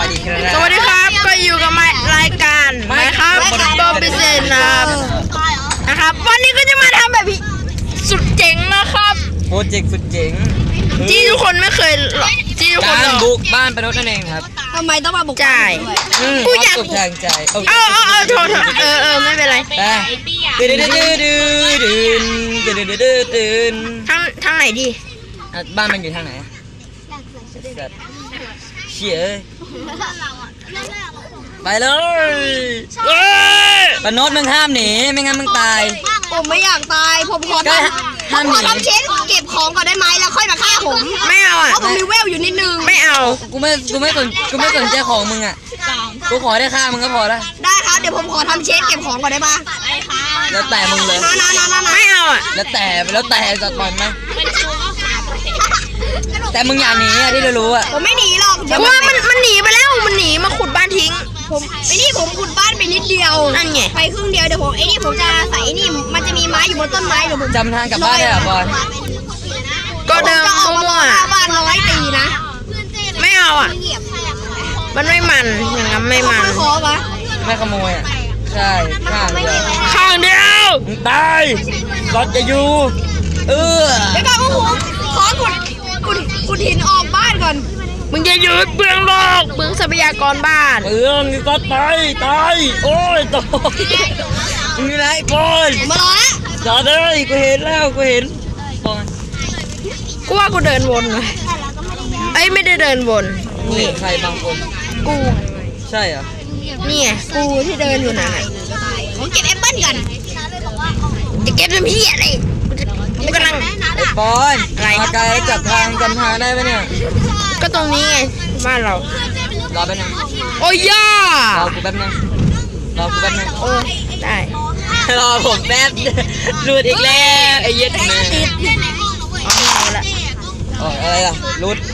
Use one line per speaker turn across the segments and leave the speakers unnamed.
ดีครับ
สวัสดีครับก็อยู่กับรายการนะครับโบบิเซนนะครับวันนี้ก็จะมาทำแบบสุดเจ๋งนะครับ
โปรเจกต์สุดเจ๋ง
ที่ทุกคนไม่เคยที่ทุกคน
การ
หรอก
บุกบ้านประนดนั่นเองครับ
ทำไมต้องมาบุก
จ่าย
กูอยากบุกทางใจ
เอาโทษไม่เป็นไร
ไปตื่น
ทางไหนดี
บ้านมันอยู่ทางไหนเชี่ยไปเลยประนดมึงห้ามหนีไม่งั้นมึงตาย
ผมไม่อยากตายผมขอทำเช็ดเก็บของก่อนได้ไหมแล้วค่อยมาฆ่าผม
ไม่เอาอ่ะ
เพราะผมมีเวลอยู่นิดนึง
ไม่เอา
กูไม่สนใจของมึงอ่ะกูขอได้ค่ามึงก็พอละ
ได้ครับเดี๋ยวผมขอทำเช็ดเก็บของก่อนได้ปะ
แล้วแต่มึงเลย
ไม่เอาอ่ะ
แล้วแต่จะปล่อยไหมแต่มึงอย่าหนีอะที่เรารู้อะ
ผมไม่หนีหรอก
เพราะว่ามันหนีไปแล้วมันหนีมาขุดบ้านทิ้ง
ผมผมขุดบ้านไปนิดเดียว
นั่นไง
ไปครึ่งเดียวเดี๋ยวผมจะใส่มันจะมีไม้อยู่บนต้นไม้เดี๋ยวผม
จำทางกลับบ้านได้เหรอบอล
ก็เดิน
จะออกมา
มั่ว
ฆ่าบ้าน100 ปีนะ
ๆไม่เอาอ่ะมันไม่มันอย่างนั้นไม่มัน
ขอปะ
ไม่ขโมยอะใช่ข้างเดียว
ข้างเดียว
มึงตายรถจะอยู่
เดี๋ยวก่อนผมขอขุดหินออกบ้านก่อน
มึงจะยืดเปลืองโลกเปลืองทรัพยากรบ้าน
เอื้องนี่ก็ตายโอ้ยตายมึงอยู่ไหนบอล
ผมมารอแล้ว
จอดเลยกูเห็นแล้วบอล
กูว่ากูเดินวนเลยเอ้ยไม่ได้เดินวน
นี่ใครบางคน
กู
ใช่เหรอ
นี่ไงกูที่เดินอยู่น่ะ
ผมเก็บแอปเปิ้ลก่อน
จะเก็บน้ำพี่อะไรกูกำลัง
ไอ้บอล
อะไร
มาไกลแล้วจำทางได้ไหมเนี่ย
ก็ตรงนี้ไงบ้านเรา
รอแป๊บนึง
โอ้ยย่าร
อกูแป๊บนึง
โอ้ได้
รอผมแป๊บหลุดอีกแล้วไอ้เย็ดแม่
เอาละ
อ๋ออะไรล่ะรุด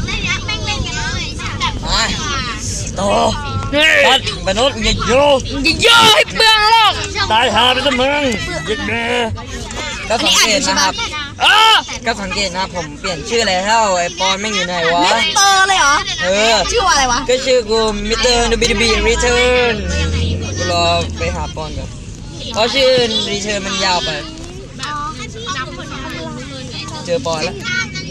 มาโต
ตั
ตั
ด
ดมนุษย์อย่าโย
อย่าเยอะให้เปลืองโลก
ตายหาไปซะมึงยึดแม่ก็สังเกตนะครับ
เออ
ก็สังเกตนะผมเปลี่ยนชื่อแล้วไอ้ปอนไม่อยู่ไหนวะ
มิสเตอร์เลยเหรอ ชื่อว่าอะไรวะ
ก็ชื่อกูมิสเตอร์นูบีบีรีเทิร์นกูรอไปหาปอนก่อนเพราะชื่อรีเทิร์นมันยาวไปเจอปอนแล้ว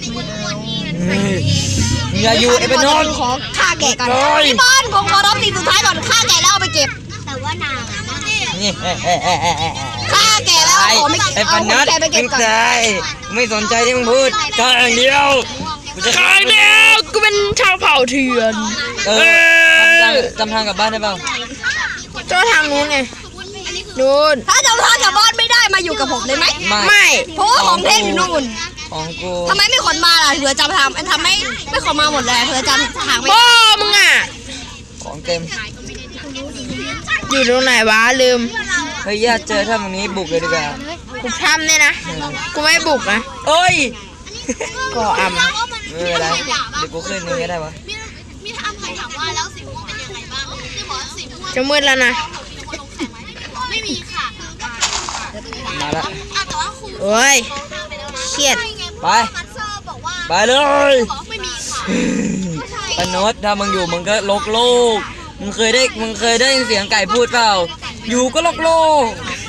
อย่าอยู่ไอ้ปนนท์
ขอฆ่าแกะก่อน
โอ้ย
พี่บอลผมขอรอบสิ่งสุดท้ายก่อนฆ่าแกะแล้วเอาไปเก็บ
นี่
ฆ่าแกะแล้วขอไม่
ไอ้ป
เอา
นนท์
แกะไปเก็
มึ
บ
ง
ก่อน
ตายไม่สนใจที่มึงพูดข้างเดียวกูจะ
ข้างเดียวกูเป็นชาวเผ่าเถื่อน
จำทางกลับบ้านได้เปล่า
เจ้าทางนู้นไงนู้น
ถ้าจะฆ่ากับบ้านไม่ได้มาอยู่กับผมได้ไหม
ไม่
เพราะว่าของเทพอยู่นู่น
ของกู
ทำไมไม่ขนมาล่ะเผื่อจำทำไม่ขนมาหมดเลยเผื่อจำทางไม่
พ่อมึงอ่ะ
ของเต็ม
อยู่ตรงไหนวะลืม
เฮ้ยญาติเจอถ้าตรงนี้บุกเลยดีกว่า
กูทำเนี่ยนะกูไม่บุกนะ
โอ้ย
ก็อำ
ไม่เป็นไรเดี๋ยวกูขึ้นนี่ก็ได้วะ
มีถามใครถามว่าแล้วสีม่วงเป็นยังไงบ้างที่บอกว่าสีม่วง
จะมืดแล้วนะ
ไม่มีค่ะ
มาละ
แต่ว่าครู
โอ้ยเครียด
ไป
มัสเซอร์บอกว่า
ไปเลย
บอกไม่มีค่ะ
ปนดถ้ามึงอยู่มึงก็ลกโลกมึงเคยได้ยินเสียงไก่พูดเปล่าอยู่ก็ลกโลก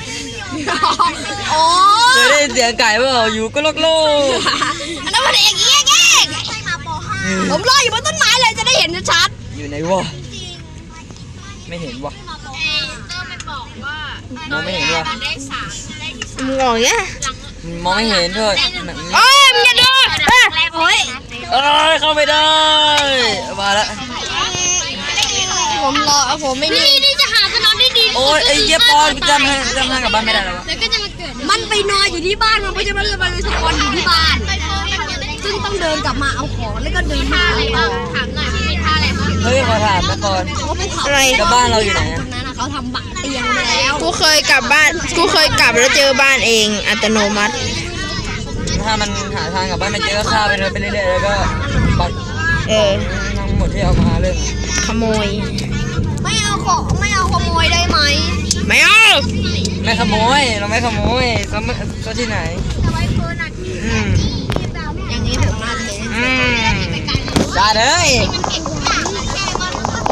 อ๋อ
เคยได้ยินเสียงไก่เปล่าอยู่ก็ลกโลก
อันนั้นมันเองเอง
ใช่มาป .5
ผมรออยู่บนต้นไม้เลยจะได้เห็นชัด
อยู่ไหนวะไม่เห็นวะ
ก็ไปบอกว่าม
องไม่เห็นวะ
ได้3ได้ที่
มึงบอกอย่างเงี้ย
มองไม่เห็นเถอะ
โอ้ยมึงอย่าเดิน
ๆโอ้ย
เอ้ยเข้าไม่ได้มาละ
ผมไม่นี่
นี่จะหาจะนอนได้ดี
โอ้ยไอ้เหี้ยปอนจำทางกลับบ้านไม่ได้แล้ววะ
แล้วก็จะมาเกิด
มันไปนอนอยู่ที่บ้านมันไม่ใช่มันเลยมันสปอนอยู่ที่บ้าน ซึ่งต้องเดินกลับมาเอาของแล้วก็เดินมา
อะไรบ้างถามหน่อยว่ามีท่าอะไรบ้าง
เฮ้ยขอถามนะปอน
เขาภูเขา
อะไร
แล้วบ้านเราอยู่ไหน
ต
อะ
รงนั้นเขาทำบักเตียงไปแล้ว
กูเคยกลับบ้านกูเคยกลับแล้วเจอบ้านเองอัตโนมัติ
ถ้ามันหาทางกลับบ้านไม่เจอก็ฆ่าไปเลยไปเรื่อยๆแล้วก็ปัด
เออ
ทั้งหมดที่เอามาเรื่อง
ขโมย
ไม่เอาขโมยได้ไหม
ไม่เอา
ไม่ขโมยเราไม่ขโมยก็ที่ไหน อืม
อย่างนี้ผมน่าจะเป็น
จ้าเลย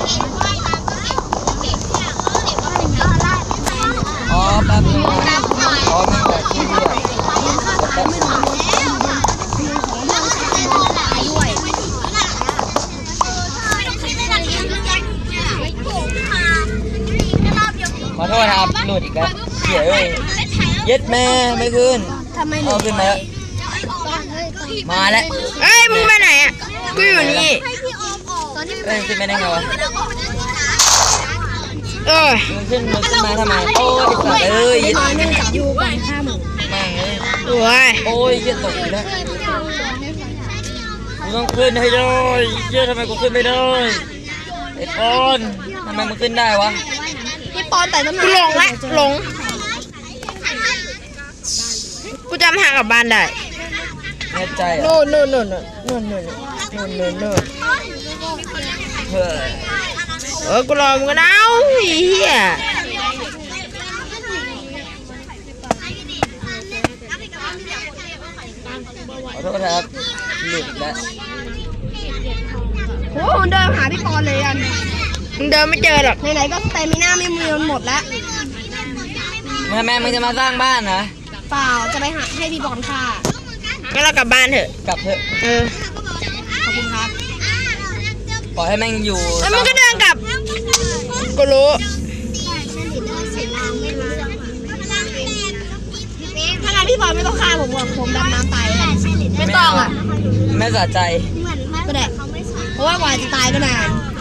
ขอโทษครับหลุดอีกแล้วเหี้ยเอ้ยเย็ดแม่ไม่ขึ้น
ทำไมหนู
เอาขึ้นมาแล้วมาแล้ว
เอ้ยมึงไปไหนอ่ะกูอยู่นี่
เอ้ยขึ้นไม่ได้ไงวะ
เออ
มึงขึ้นมาทำไมโอ้ยสัตว์เอ้ย
ไม่มาเนื่องจากอยู่ก่อน5 โมง
แม่งเอ้ย
โอ้ย
โอ้ยเหี้ยตกอีกแล้วกูต้องขึ้นให้ได้เหี้ยทำไมกูขึ้นไม่ได้ไอ้ปอนทำไมมันขึ้นได้วะ
พี่ปอนแต่ต้นไม้
กูหลงละหลงกูจำทางกลับบ้านได้
แน่ใจอ่ะ
โน่นโน่น
เฮ้ย
กูรอมึงกันเอาเฮีย
ขอโทษครับหลุดอีกแล้ว
โอ้โหเดินหาพี่ปอนเลยอัน
มึงเดินไม่เจอหรอก
ไหนๆก็สเตมิน่าไม่มีมันหมดแล้ว
แม่มึงจะมาสร้างบ้านนะ
เปล่าจะไปหาให้พี่ปอนค่ะ
งั้นเรากลับบ้านเถอะ
กลับเถอะ
เออ
ขอบคุณครับ
ปล่อยให้แม่งอยู่
แล้วมึงก็เดินกลับกูรู้
ถ้างั้นพี่ปอนไม่ต้องฆ่าผมหรอกผมดำน้ำตายเลยไม่ต้องอ่ะ
แม่สะใจ
ก็ได้เพราะว่ากว่าจะตายก็นาน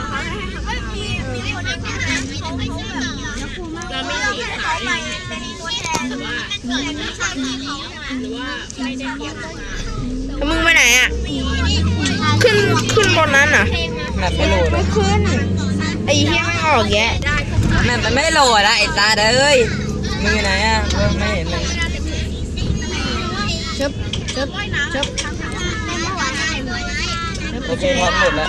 แล้วมึงไปไหนอ่ะ ขึ้นบนนั้นเหรอ
แม่ไม่โหลด
ไม่ขึ้น ไอ้เหี้ยไม่ออกแยะ
แม่มันไม่โหลดอะไอ้ตาเอ้ยมึงอยู่ไหนอะไม่เห็นเลย
ชึบชึบชึบ
โอเคพร้อมหมดแล้ว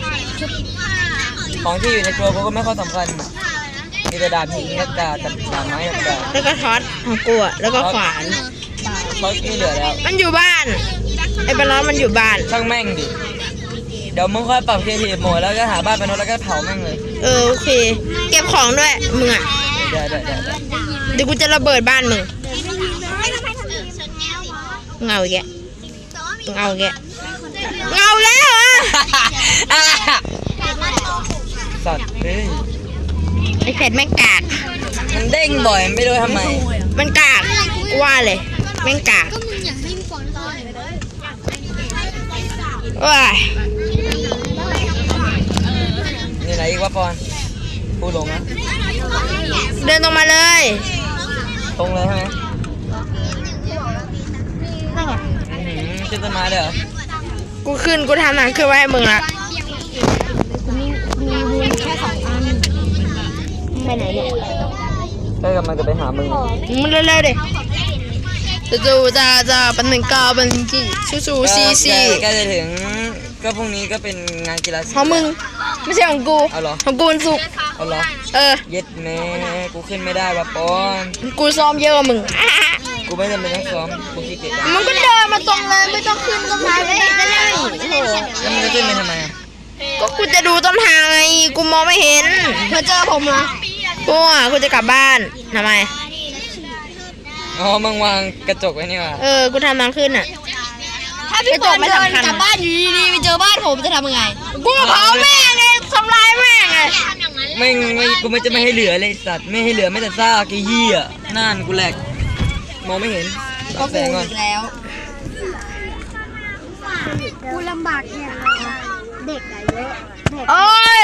ของที่อยู่ในครัวกูก็ไม่ค่อยสำคัญมีแต่ดาบหินกับดาบไม้กับดาบ
แล้วก็ท็อตของกูอ่ะ แล้วก็ขวาน
เขาไม่เหลือแล้ว
มันอยู่บ้าน ไอ้ปลาร้อนมันอยู่บ้าน
ช่างแม่งดิเดี๋ยวมึงค่อยปรับเคทีฟโหมดแล้วก็หาบ้านไปโน้ตแล้วก็เผาแม่งเลย
เออโอเค เก็บของด้วย มึงอ่ะ
เดี๋ยว
เดี๋ยวกูจะระเบิดบ้านมึงเงาอีกแกเงาอีกแกเงาแล้วเหรอ
สัตว์เฮ้ย
ไอ้เพชรแม่งกาก
มันเด้งบ่อยไม่รู้ทำไม
มันกากกูว่าเลยแม่งกากว้าย
นี่ไหนอีกวะปอนพูดลงนะ
เดินตรงมาเลย
ตรงเลยใช่ไหมขึ้นต้นไม้เลยเหรอ
กูทำหนังขึ้นไว้ให้มึงละ
มีวุ้นแค่2 อันไปไหนเนี่ย
ก็กำลังจะไปหามึง
มึงเร็วๆดิจู่ๆจะเป็น19เป็นกี่สู้ๆซี
ก็จะถึงก็พรุ่งนี้ก็เป็นงานกีฬาสี
ของมึงไม่ใช่ของกู
เอาเหรอ
ของกูมันสุกร์
เอาเหรอ
เออ
เย็ดแม่กูขึ้นไม่ได้วะปอน
กูซ้อมเยอะกว่ามึง
กูไม่จำเป็นต้องซ้อมกูขี้เกียจ
มึงก็เดินมาตรงเลยไม่ต้องขึ้นต้นไม้เลยก็ได้โอ้โห
แล้วมึงจะขึ้นไปทำไมอ่ะ
ก็กูจะดูต้นทางไงกูมองไม่เห็น
เธอเจอผมเหรอ
กูจะกลับบ้านทำไม
อ๋อมึงวางกระจกไว้นี่ว่ะ
เออกูทำทางขึ้นอ่ะ
ถ้าพี่ปอนเดินกลับบ้านอยู่ดีๆไปเจอบ้านผมจะทำยังไง
กูเผาแม่งเลยทำลายแม่งเลย
ไม่กูไม่จะไม่ให้เหลือเลยสัตว์ไม่ให้เหลือไม่แต่ซากไอ้เหี้ยนั่นกูแหลกมองไม่เห็น
ก็
แส
กู
งก่อน
อีกแล้วกูลำบากแค่เด็กอะเยอะ
โอ้ย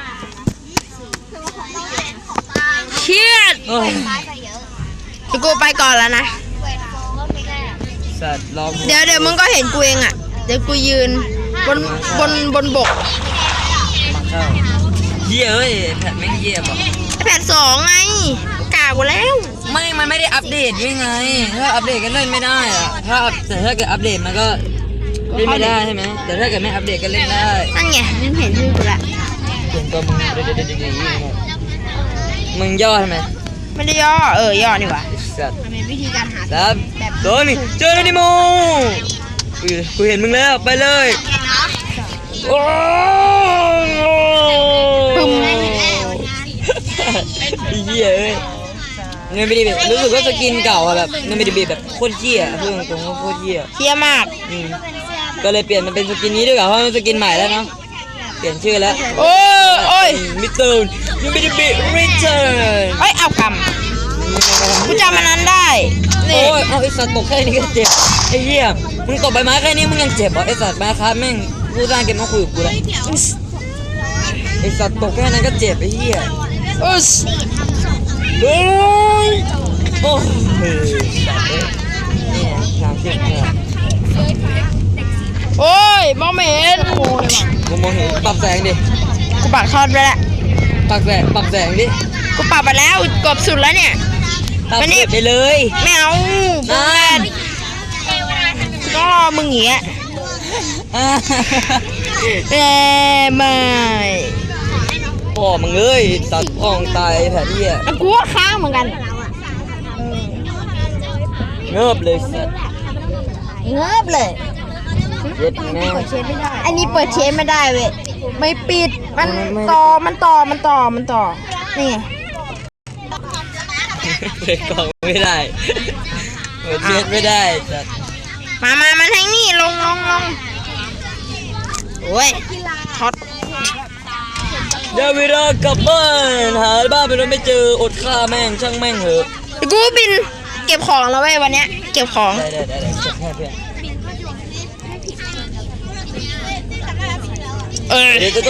เครียด
เอ้ย
เดี๋ยวกูไปก่อนแล้วนะ
สัตว์รอกู
เดี๋ยวมึงก็เห็นกูเองอ่ะ เดี๋ยวกูยืนบนบก
เข้าเหี้ยเอ้ยแผ่นแม่งเหี้ยป่ะ
แผ่น2ไงกากูแล้ว
มันไม่ได้อัปเดตยังไงถ้าอัปเดตก็เล่นไม่ได้อะแต่ถ้าเกิดอัปเดตมันก็เล่นไม่ได้ใช่ไหมแต่ถ้าเกิดไม่อัปเดตก็เล่นได้
นั่นไงมึงเห็นชื่อกูละ
ส่วนตัวมึงเดี๋ยวมึงย่อทำไม
ไม่ได้ย่อย่อนี่หว่า
สัตว์
มันเป็นวิธีการหา
สามสองหนึ่งเจอแล้วนิโมกูเห็นมึงแล้วไปเลยโอ้ปึ้มเหี้ยเอ้ยเงินไม่ได้แบบรู้สึกว่าสกินเก่าอะแบบเงินไม่ได้แบบโคตรเหี้ยพูดตรงๆว่าโคตรเหี้ย
เที่ยมาก
ก็เลยเปลี่ยนมันเป็นสกินนี้ด้วยเหรอเพราะมันสกินใหม่แล้วเนาะเปลี่ยนชื่อแล้ว
โอ้ย
มิสเตอร์ยูบิดิบิรีเทิร์น
เอ้ยเอากำกูจำมันนั้นได้
โอ้
นี่
ยเอาไอสัตว์ตกแค่นี้ก็เจ็บไอ้เหี้ยมึงตกใบไม้แค่นี้มึงยังเจ็บเหรอไอสัตว์มาครับแม่งกูสร้างเกมมาคุยกับกูแล้วไอสัตว์ตกแค่นั้นก็เจ็บไอ้เหี้ย
อุส
เฮ้ยโอ้ยสัตว์เนี่ยทางเจ็บเนี่ย
โอ้ยมองไม่เห็น
กูมองเห็นปรับแสงดิ
กูปักทอดไปแล้ว
ปรับแสงดิ
กูปรับไปแล้วเกือบสุดแล้วเนี่ย
ปรับ
มานี่
ไปเลย
ไม่เอา
นั่น
ต้องรอมึงอย่างเงี้ย
อ่า
ไม่
พ่อมึงเอ้ยสัตว์พ่องตายแผลที่อ่ะ
กูว่าค้างเหมือนกัน
เงิบเลยสัตว์
เงิบเลย
เย็ดแม่ง
อันนี้เปิดเชฟไม่ได้เว้ยไม่ปิดมันต่อนี่ไง
เปิดกล่องไม่ได้เปิดเช็ดไม่ได้สัตว์
มาทางนี้ลงโอ้ยช็อต
เดี๋ยวเวลากลับบ้านหาบ้านไปแล้วไม่เจออดข้าแม่งช่างแม่งเหอะ
กูบินเก็บของแล้วเว้ยวันเนี้ยเก็บของ
ได้เก็บแค่เพื่อน เดี๋ยว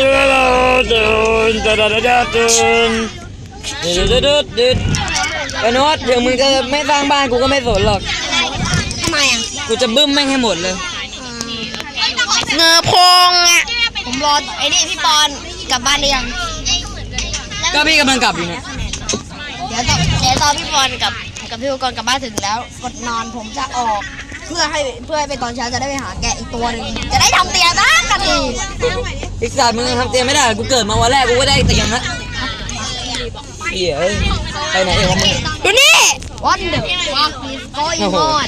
ไอ้โน้ตเดี๋ยวมึงจะไม่สร้างบ้านกูก็ไม่สนหรอก
ทำไมอ่ะ
กูจะบึ้มแม่งให้หมดเลย
เงือพงอ่ะ
ผมรอไอ้นี่พี่ปอนกลับบ้านได้ยัง
ก็พี่กำลังกลับอยู่เนี่ย
เดี๋ยวตอนพี่ปอนกับพี่อุกรกลับบ้านถึงแล้วกดนอนผมจะออก เพื่อให้ไปตอนเช้าจะได้ไปหาแกะอีกตัวหนึ่งจะได้ทำเตียงบ้างกันที
อีกสัตว์มึงยังทำเตียงไม่ได้กูเกิดมาวันแรกกูก็ได้เตียงละเหี้ยเอ้ยไปไหนเองวะมึง
ดูนี่
วันเดอร์วักอีสโกอิมอน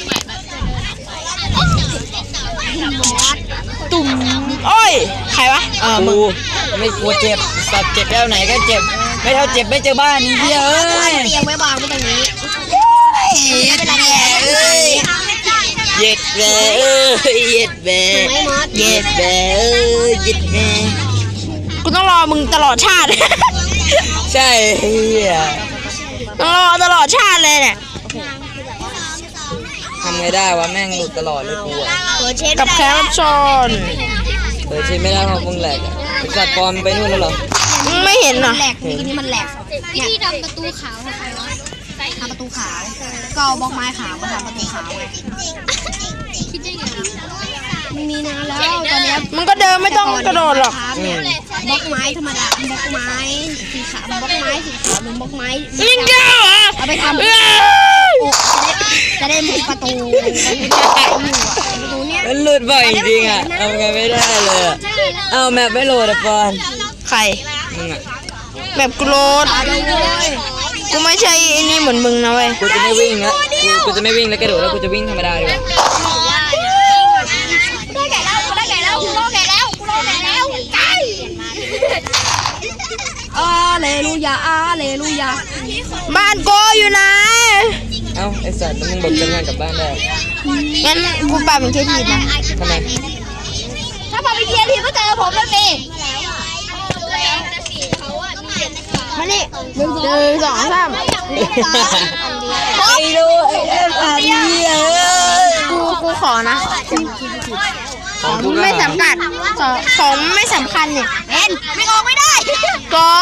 ตุ่มโอ้ยใครวะมึง
กูไม่กลัวเจ็บสัตว์เจ็บแล้วไหนก็เจ็บไม่เท่าเจ็บไม่เจอบ้านนี่เหี้ยเอ้ย
เตียงไว้วางไว้ตรงนี้
เย็ดแม่เอ้ยเย็ดแม่เอ้ยเย็ดแม่เย็ดแม่เอ้ยเย็ดแม่
กูต้องรอมึงตลอดชาติ
ใช่เหี้ย
ต้องรอตลอดชาติเลยเนี่ย
ทำไงได้วะแม่งหลุดตลอดเลยกูอะ
กับแคปชน
เปิดชิมไม่ได้เพราะมึงแหลกอะไอ้สัตว์ปลอมไปนู่นแล้วเหรอ
มึงไม่เห็นเหรอ
แหลกทีนี้มันแหลก
วิธีทำประตูขาวค่ะ
ทำประตูขาวก็เอาบล็อกไม้ขาวมาทำประตูขาวไง
คิดได้ไง
มันมีนานแล้วตอนเนี้ย
มึงก็เดินไม่ต้องกระโดดหรอก
บล็อกไม้ธรรมดาบล็อกไม้สีขาวบล็อกไม้สีขาวหรือบล็อกไม้
ลิงเก้าเหรอ
เอาไปทำ
เอ้ย
โอ้จะได้มุดประตูอยู่อ่ะประตูเนี้ย
มันหลุดบ่อยจริงๆอะทำไงไม่ได้เลยอะเอาแมปไม่โหลดอะปอน
ใคร
มึงอะ
แบบกูโรดกูไม่ใช่ไอ้นี่เหมือนมึงนะเว้ย
กูจะไม่วิ่งละกูจะไม่วิ่งแล้วกระโดดแล้วกูจะวิ่งธรรมดาดีกว่า
ได้แก่แล้วกูได้แก่แล้วกูรอแก่แล้วกูรอแก่แล้วไก่
อาเลลูยาอาเลลูยา
บ้านโกอยู่ไหน
เอ้าไอสัตว์แล้วมึงบอกจะงานกลับบ้านได้
งั้นกูปรับเป็นแค่ทีนะ
ทำไม
ถ้าพอไปเทียร์ทีก็เจอผมแล้วสิ
มานี่หนึ่งสองสาม
ไอ้ดูไอ้เอ็มอาร์ดีเอ้ย
กูขอนะ ของไม่สำคัญของไม่สำคัญเนี่ย
เป็นไม่ออกไม่ได้
ก่อ